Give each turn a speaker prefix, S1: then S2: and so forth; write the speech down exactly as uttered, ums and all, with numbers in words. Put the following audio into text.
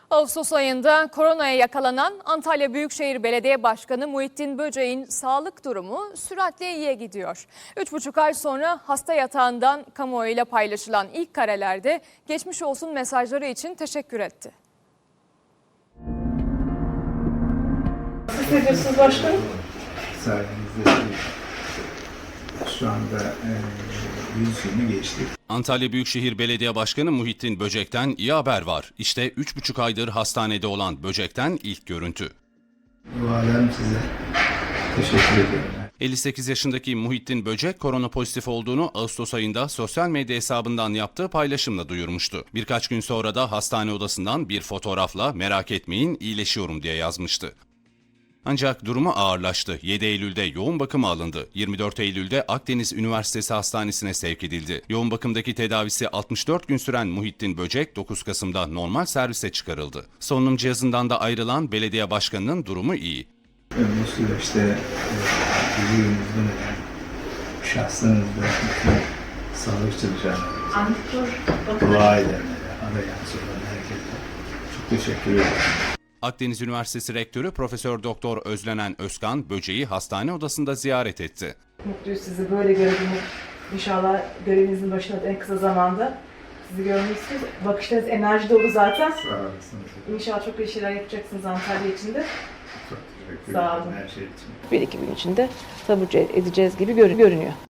S1: Ağustos ayında koronaya yakalanan Antalya Büyükşehir Belediye Başkanı Muhittin Böceğin sağlık durumu süratle iyiye gidiyor. Üç buçuk ay sonra hasta yatağından kamuoyuyla paylaşılan ilk karelerde geçmiş olsun mesajları için teşekkür etti.
S2: Siz ne diyorsunuz başkanım?
S3: Sayenizde şu anda e, yüz günü geçtik.
S4: Antalya Büyükşehir Belediye Başkanı Muhittin Böcek'ten iyi haber var. İşte üç buçuk aydır hastanede olan Böcek'ten ilk görüntü.
S3: Dualarım size. Teşekkür ediyorum.
S4: elli sekiz yaşındaki Muhittin Böcek korona pozitif olduğunu Ağustos ayında sosyal medya hesabından yaptığı paylaşımla duyurmuştu. Birkaç gün sonra da hastane odasından bir fotoğrafla "merak etmeyin, iyileşiyorum" diye yazmıştı. Ancak durumu ağırlaştı. yedi Eylül'de yoğun bakıma alındı. yirmi dört Eylül'de Akdeniz Üniversitesi Hastanesi'ne sevk edildi. Yoğun bakımdaki tedavisi altmış dört gün süren Muhittin Böcek dokuz Kasım'da normal servise çıkarıldı. Solunum cihazından da ayrılan belediye başkanının durumu iyi.
S3: Bu süreçte e, yüzünüzden ölen şahsınızda bütün sağlık çalışanlarımıza, dua edenlere, arayan soran herkese çok teşekkür ederim.
S4: Akdeniz Üniversitesi Rektörü Profesör Doktor Özlenen Özkan Böceği hastane odasında ziyaret etti.
S2: Mutluyuz sizi böyle görebilmek. İnşallah görevinizin başına da en kısa zamanda sizi görmüşsünüz. Bakışlarınız enerji dolu zaten.
S3: Sağ olasınız.
S2: İnşallah çok iyi şeyler yapacaksınız Antalya için de.
S3: Çok teşekkür
S2: Sağ
S3: ederim
S2: olun.
S3: her şey için.
S2: Bir iki gün içinde taburcu edeceğiz gibi görünüyor.